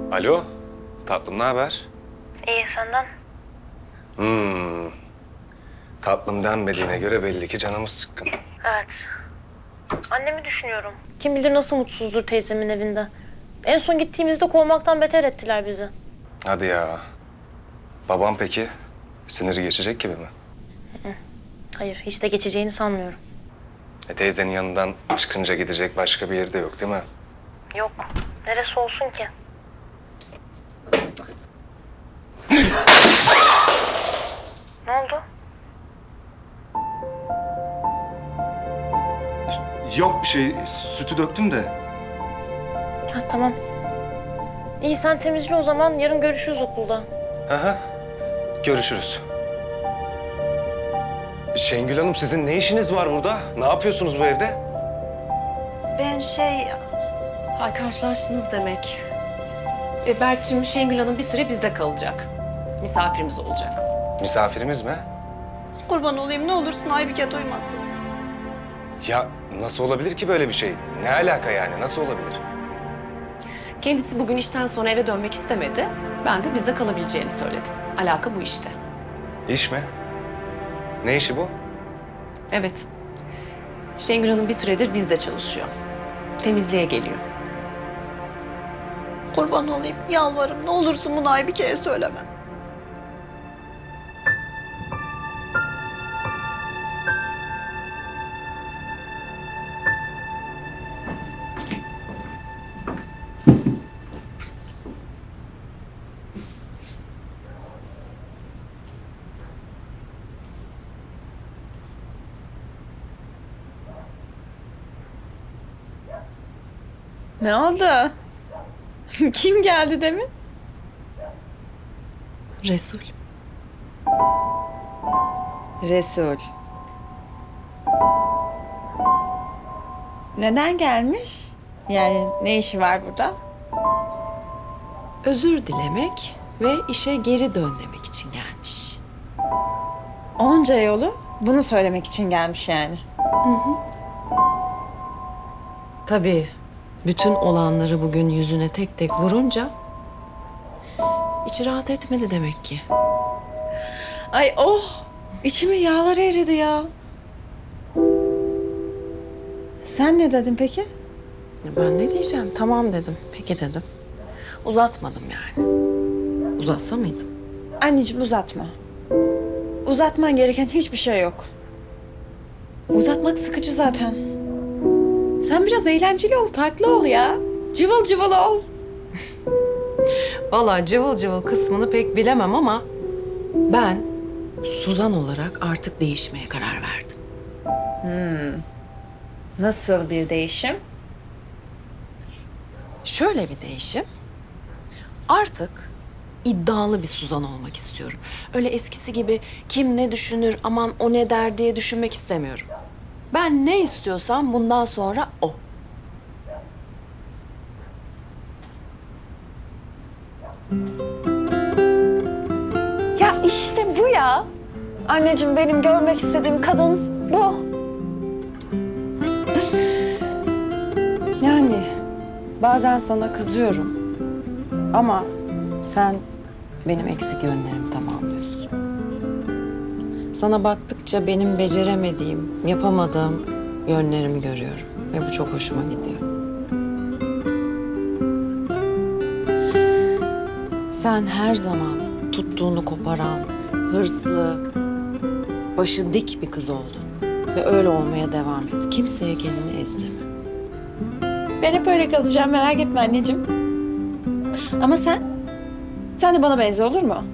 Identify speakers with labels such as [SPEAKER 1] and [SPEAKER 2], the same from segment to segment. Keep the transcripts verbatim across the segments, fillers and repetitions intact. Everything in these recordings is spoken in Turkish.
[SPEAKER 1] Alo, tatlım ne haber?
[SPEAKER 2] İyi, senden?
[SPEAKER 1] Hmm, tatlım denmediğine göre belli ki canımız sıkkın.
[SPEAKER 2] Evet. Annemi düşünüyorum. Kim bilir nasıl mutsuzdur teyzemin evinde. En son gittiğimizde kovmaktan beter ettiler bizi.
[SPEAKER 1] Hadi ya. Babam peki? Siniri geçecek gibi mi?
[SPEAKER 2] Hayır, hiç de geçeceğini sanmıyorum.
[SPEAKER 1] E teyzenin yanından çıkınca gidecek başka bir yerde yok değil mi?
[SPEAKER 2] Yok. Neresi olsun ki? Ne oldu?
[SPEAKER 1] Yok bir şey, sütü döktüm de.
[SPEAKER 2] Ha, tamam. İyi, sen temizle o zaman. Yarın görüşürüz okulda.
[SPEAKER 1] Aha, görüşürüz. Şengül Hanım sizin ne işiniz var burada? Ne yapıyorsunuz bu evde?
[SPEAKER 3] Ben şey...
[SPEAKER 4] Ha, karşılaştınız demek. E, Berk'cim, Şengül Hanım bir süre bizde kalacak. Misafirimiz olacak.
[SPEAKER 1] Misafirimiz mi?
[SPEAKER 3] Kurban olayım ne olursun Aybike duymasın.
[SPEAKER 1] Ya nasıl olabilir ki böyle bir şey? Ne alaka yani? Nasıl olabilir?
[SPEAKER 4] Kendisi bugün işten sonra eve dönmek istemedi. Ben de bizde kalabileceğini söyledim. Alaka bu işte.
[SPEAKER 1] İş mi? Ne işi bu?
[SPEAKER 4] Evet. Şengül Hanım bir süredir bizde çalışıyor. Temizliğe geliyor.
[SPEAKER 3] Kurban olayım yalvarırım ne olursun bunu Aybike'ye söyleme.
[SPEAKER 5] Ne oldu? Kim geldi demin?
[SPEAKER 4] Resul.
[SPEAKER 5] Resul. Neden gelmiş? Yani ne işi var burada?
[SPEAKER 4] Özür dilemek ve işe geri dön demek için gelmiş.
[SPEAKER 5] Onca yolu bunu söylemek için gelmiş yani.
[SPEAKER 4] Tabii bütün olanları bugün yüzüne tek tek vurunca içi rahat etmedi demek ki.
[SPEAKER 5] Ay oh! İçimin yağları eridi ya. Sen ne dedin peki?
[SPEAKER 4] Ben ne diyeceğim? Tamam dedim. Peki dedim. Uzatmadım yani. Uzatsa mıydım?
[SPEAKER 5] Anneciğim uzatma. Uzatman gereken hiçbir şey yok. Uzatmak sıkıcı zaten. Sen biraz eğlenceli ol, farklı ol ya. Cıvıl cıvıl ol.
[SPEAKER 4] Vallahi cıvıl cıvıl kısmını pek bilemem ama ben Suzan olarak artık değişmeye karar verdim.
[SPEAKER 5] Nasıl bir değişim?
[SPEAKER 4] Şöyle bir değişim. Artık iddialı bir Suzan olmak istiyorum. Öyle eskisi gibi kim ne düşünür, aman o ne der diye düşünmek istemiyorum. Ben ne istiyorsam bundan sonra o.
[SPEAKER 5] Ya işte bu ya. Anneciğim benim görmek istediğim kadın bu.
[SPEAKER 4] Yani bazen sana kızıyorum ama sen benim eksik yönlerimi tamamlıyorsun. Sana baktıkça benim beceremediğim, yapamadığım yönlerimi görüyorum ve bu çok hoşuma gidiyor. Sen her zaman tuttuğunu koparan, hırslı, başı dik bir kız oldun ve öyle olmaya devam et. Kimseye kendini ezdirme.
[SPEAKER 5] Ben hep öyle kalacağım, merak etme anneciğim. Ama sen? Sen de bana benze olur mu?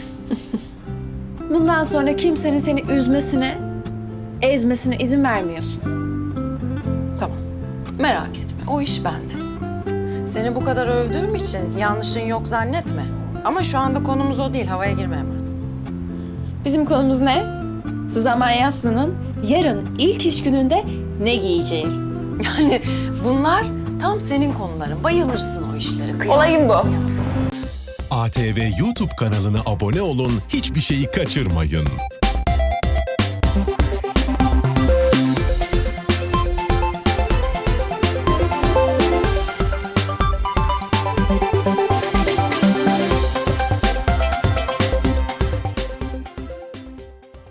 [SPEAKER 5] Bundan sonra kimsenin seni üzmesine, ezmesine izin vermiyorsun.
[SPEAKER 4] Tamam. Merak etme. O iş bende. Seni bu kadar övdüğüm için yanlışın yok zannetme. Ama şu anda konumuz o değil. Havaya girme hemen.
[SPEAKER 5] Bizim konumuz ne? Suzan Manyaslı'nın yarın ilk iş gününde ne giyeceği.
[SPEAKER 4] Yani bunlar tam senin konuların. Bayılırsın o işlere.
[SPEAKER 5] Olayım bu.
[SPEAKER 6] A T V YouTube kanalına abone olun, hiçbir şeyi kaçırmayın.